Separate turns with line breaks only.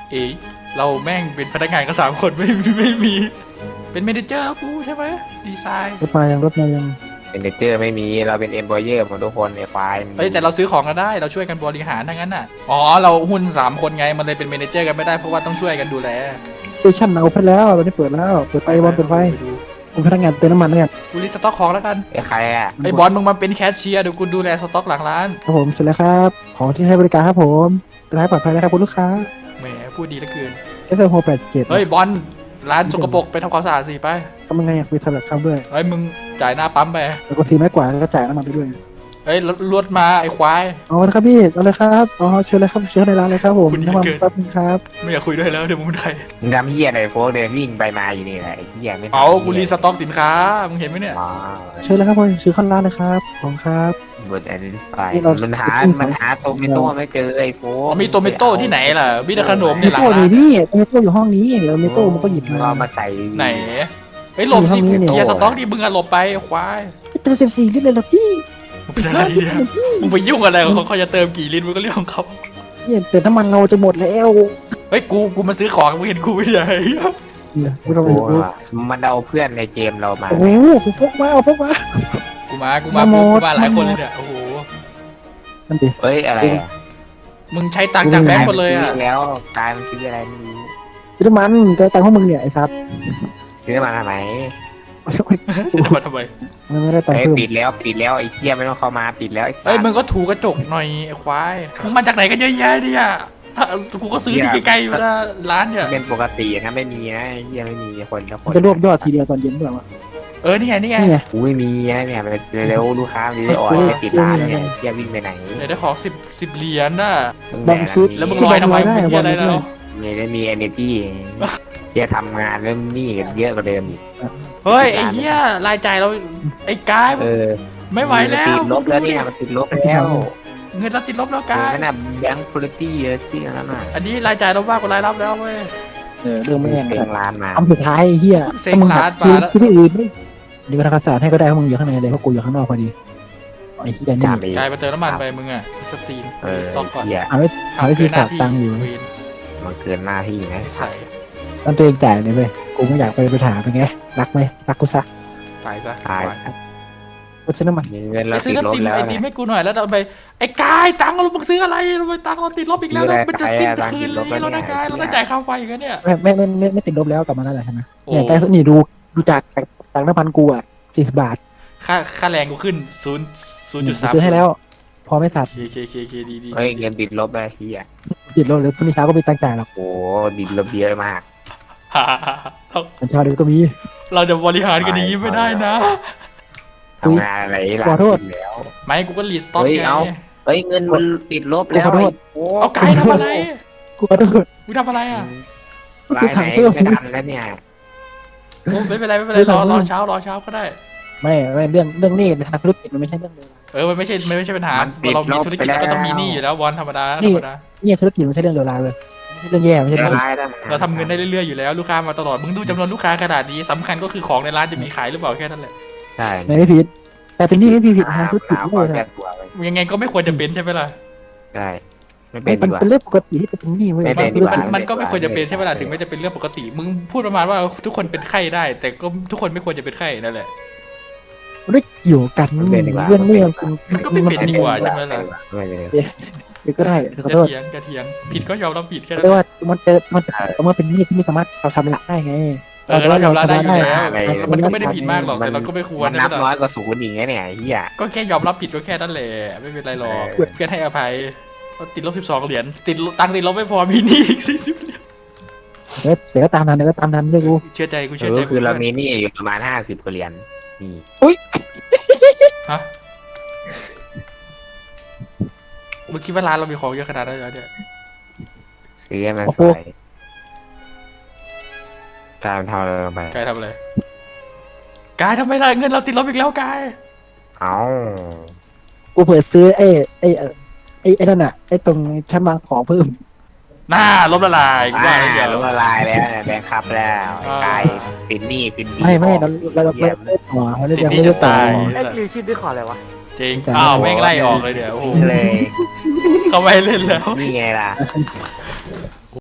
เอ๋เราแม่งเป็นพนักงานกัน3 คนไม่มีเป็นเมเนเจอร์แล้วกูใช่ไหมดีไซน์
รถมายัง
เป็นเนเจอร์ไม่มีเราเป็นเอ็มพลเยอร์หมดทุกคนไอ้ควาย
เอ้ยแต่เราซื้อของกันได้เราช่วยกันบริหารทั้งนั้นน่ะอ๋อเราหุ้น3 คนไงมันเลยเป็นเมเนเจอร์กันไม่ได้เพราะว่าต้องช่วยกันดูแล
สเตชันเอาไปแล้วตอนนี้เปิดแล้วเปิดไฟบอลเปิดไฟ
ดู
ผมพนักงานเติมน้ำมันเนี่ย
กูรีสต็อกของแล้วกัน
ไอ้ใครอ่ะ
ไอ้บอลมึงมาเป็นแคชเชียร์เดี๋ยวกูดูแลสต็อกหลังร้าน
ครับผมเสร็จแล้วครับของที่ให้บริการครับผมเป็นร้านปลอดภัยนะครับคุณลูกค้า
แหมพูดดีเหลือเกิน
SL687
เฮ้ยบอลร้านสกปรกไปทำความสะอาดสิไป
ทำยังไงอยากคุยสลับคำด้วย
เฮ้ยมึงจ่ายหน้าปั๊มไป
แล้วก็ทีไม้กวาดแล้วก็จ่ายน้ำมันไปด้วย
เฮ้ยรถมาไอ้ควาย
เอาละครับพี่เอาเลยครับอ๋อเชิญเลยครับเชิญในร้านเลยครับผม
คุณดี
น้ำมัน
เกิน
แป๊บนึงครับ
ไม่อยากคุยด้วยแล้วเดี๋ยวมึงเป็นใคร
มึงทำเหี้ยอะไรโฟกเดินวิ่งไปมาอยู่นี่แหละไอ้เหี้ยไม่ทำ
เอากูรีสต็อกสินค้ามึงเห็นไหมเนี่ย
อ๋อ
เชิญเลยครับผมซื้อข้างร้านเลยครับของครับ
บทแอนดี้ไฟ
นี่เรา
มันหาโตเมโต้ไม่เจอไอ้โฟก
มีโตเมโต้ที่ไหนล่ะมีแต่ขนมใน
มี
หลัง
โต้อ
ร้า
ยู่
น
นี่มีโต้อยู่ห้องนี้เดี๋ยวมีโต้มันก็หยิบมา
เอามาใส่
ไหนเฮ้ยหลบสิ
อยู่ห้องนี้เนี่ย
เคลียร์สต็อกดิมึงอะหลบไปไอ้ควาย
เป็น14ลิตรเลยเหรอพี่
มึงเป็นอะไรเนี่ยมึงไปยุ่งอะไรกับเขาจะเติมกี่ลิตรมันก็เรื่องของเขา
เนี่ยเติมน้ำมันเราจะหมดแล้ว
เฮ้ยกูมาซื้อของมึงเห็นกูไม่ใช่
เนี่ยไม่ต้อง
โอ้
ไปดู
มันเอาเพื่อนในเกมเรามา
โอ้โหผมพกมาเอาพกมา
กูมา
มาหมด
หลายคนเลยเนี่ยโอ้โห
นั่นดิ
เฮ้ยอะไรอ่ะ
มึงใช้ตังค์จากแบงก์หมดเลยอะ
แล้วกายมันซื้ออะไรไม่รู้
ซื้อน้ำมันเจอตังค์พวกมึงเนี่ยไอ้ซับ
ซื้อมาทำไม
ซื้อมาทำไม
มันไม่ได้ตังค์
เฮ้ย
เพิ่ม
ปิดแล้วไอ้เหี้ยไม่ต้องเข้ามาปิดแล้วไอ้สัส
เฮ้ยมึงก็ถูกระจกหน่อยไอ้ควายมึงมาจากไหนกันเยอะแยะเนี่ยกูก็ซื้อที่ใกล้ๆอยู่นะร้านเนี่ย
เป็นปกตินะไม่มีนะไอ้เหี้ยไม่มีคนละคน
จะรวบยอดทีเดียวตอนเย็นด้วยวะ
นี่ไง
นี่ไง
กูไม่มีนะเนี่ยมันเร็วลูกค้ามันจะได้ออนไม่ปิดร้านเนี่ยไอ้เหี้ยวิ่งไปไหน
เดี๋ยวได้ของ10เหรียญน่ะ
แบ่งซื้อ
แล้วมึงลอยทำไมมึงเหี้ยอะไรแล้ว
เนี่ยได้มี energy เหี้ยทำงานเริ่มหนี้เยอะกว่าเดิมอีก
เฮ้ยไอ้เหี้ยรายจ่ายเราไอ้กาย ไม่ไหวแล้ว
ติดลบแล้วเนี่ยมันติดลบแล้ว
เงินเราติดลบแล้ว
กาก
าย
นั่นน่ะแบงค์คุณตี้เยอะที่นั่นน่ะ
อันนี้รายจ่ายเรามากกว่ารายรับแล้วเว้ย
เรื่องไม่แน่
เต็งร้านมา
คำสุดท้ายไอ้เฮีย
เซ็งร้านปลาแล้ว
ที่อื่นไม่ดีกว่าทางศาสตร์ให้ก็ได้เพราะมึงอยู่ข้างในเลยเพราะกูอยู่ข้างนอกพอดีไอ้เฮียนี่
จ่าไป
กายไปเติมน้ำมันไปมึงอะสตรีมสต็อกก่อน
เหี้ย
เอาไว้เอาไว้ที่ฝากตังค์อยู่
เวน
มันเกินหน้าที่นะ
ใส่
ตอนตัวเองจ่ายเลยเว้ยกูไม่อยากไปถามเป็นไงรักไหมรักกูซะ
ตายซะ
ตาย
กูซื้อน้ำมัน
มีเงิน
ไป
เรา
ซื้
ติ
อ
ดล
น้ำ
บ
ติม
แล้ว
ไอติม
นะ
ให้กูหน่อยแล้วเอาไปไอ้กายตังค์เรามึงซื้ออะไรทำไมตังค์เราติดลบอีกแล้วแล้วมันจะสิ้นคืนเลยแล้วนะกายเราต้องจ่ายค่าไฟอีกันเนี่ย
ไม่ติดลบแล้วกลับมาแล้วแหละใช่ไหม
โอ้
เนี่ยแต่นี่ดูจากตังค์น้ำมันกูอ่ะ40 บาท
ค่าแรงกูขึ้น0.3
ซื้อให้แล้ว พอไม่สับ
เคดี
เฮ้ยเงินติดลบแล้วเฮีย
ติดลบเลยพรุ่งนี้เช้าก็ไปตังค์จ่ายหรอก
โอ้ติดลบเยอะมาก
ตอนเช้าเดี๋ยวก็มี
เราจะบริหารกันอย่างนี้ไม่ได้นะ
ทำงานอะไรหลัง
ขอโทษ
ติดแล้ว
ไม่กูก็รีสต็อก
เฮ้ย
ไง
เอา เฮ้ยเงินมันติดลบแล้ว
ขอโทษ
โอ้
เอากายทำอะไร
กูขอโทษ
มึงทำอะไรอ่ะ
รายไหนไม่ทันแล้วเนี่ย
โอ้ไม่เป็นไรรอเช้าก็ได้
ไม่เรื่องนี้ในทางธุรกิจมันไม่ใช่เรื่องเลวร้าย
มันไม่ใช่ปัญหาเรามีธุรกิจเราก็ต้องมีหนี้อยู่แล้วบอลธรรมดา
เนี่ยธุรกิจมันไม่ใช่เรื่องเลวร้ายเลยไม่ใช่เรื่องแย่ไม่ใช่
เดี๋
เรื่
ย
อง
วรายได้
เราทำเงินได้เรื่อยๆอยู่แล้วลูกค้ามาตลอดมึงดูจำนวนลูกค้าขนาดนี้สำคัญก็คือของในร้านจะมีขายหรือเปล่าแค่นั้นแหละ
ใช่
ไม่ผิดแต่เป็นนี่ไม่ผิดทางธุรกิจ
เอา
เลย
แก้
นะ
ตัวไป
ยังไงก็ไม่ควรจะเป็นใช่ไหมล่ะ
ใช่ไม่เป็น
มัน
ดีกว่า
เป็นเรื่องปกติที่เป็นนี่เว้ย
ไม่เป็นดีกว่า
มันก็ไม่ควรจะเป็นใช่ไหมล่ะถึงไม่จะเป็นเรื่องปกติมึงพูดประมาณว่าทุกคนเป็นไข้ได้ แต่ก็ทุกคนไม่ควรจะเป็นไข้นั่นแหละ
มันได้อยู่กันเรื่องนี้
มันก็ไม่เป็นดีกว่าใช่ไหมล่ะ
ไม่เป็น
ก็ได้ขอโทษ
กระเทียงผิดก็ยอมรับผิดแค่นั้น
เรียกว่ามันเป็นนี่ที่ไม่สามารถเราทำละได้ไง
เรายอมรับได้อยู่แล้วมันก็ไม่ได้ผิดมากหรอกแต่เราก็ไม่ควร
มัน
นะ
นับน้อยกว่าศูนย์อย่างเงี้ยเนี่ยเฮีย
ก็แค่ยอมรับผิดก็แค่นั้นแหละไม่เป็นไรหรอกเพื่อนให้อภัยติดลบ12 เหรียญติดตังค์ติดลบไม่พอมีหนี้อีก40 เหรียญ
เดี๋ยวก็ตามนั้นเรื่องกู
เชื่อใจกู
คือเรามีนี่อยู่ประมาณ50เหรียญนี่
ฮะมึงคิดว่าร้านเรามีของเยอะขนาดนั้นเหรอเนี่ย
ซื้อให้มันสวยการทำอะไรลงไป
กายทำอะไรกายทำไมล่ะเงินเราติดลบอีกแล้วกาย
เอา
กูเปิดซื้อไอ้นั่นน่ะไอ้ตรงชั้นวางของเพิ่ม
หน้าลบละลายกูว่าเดี๋ยว
ลงละลายแล้วแบงค์คับแล้วกายปิดหนี้ปิดดี
ไม่เราไม่ได้ต่อเรา
ติด
ยัง
หนี้
ไม่
จะ
ได้ต่อ
ตาย
ไอ้คิวชื่อด้วยขออะไรวะ
จริงอ้าวแม่งไล่ออกเลยเดี๋ยวโอ้โห
เลย
เขาไม่เล่นแล้ว
นี่ไงล่ะ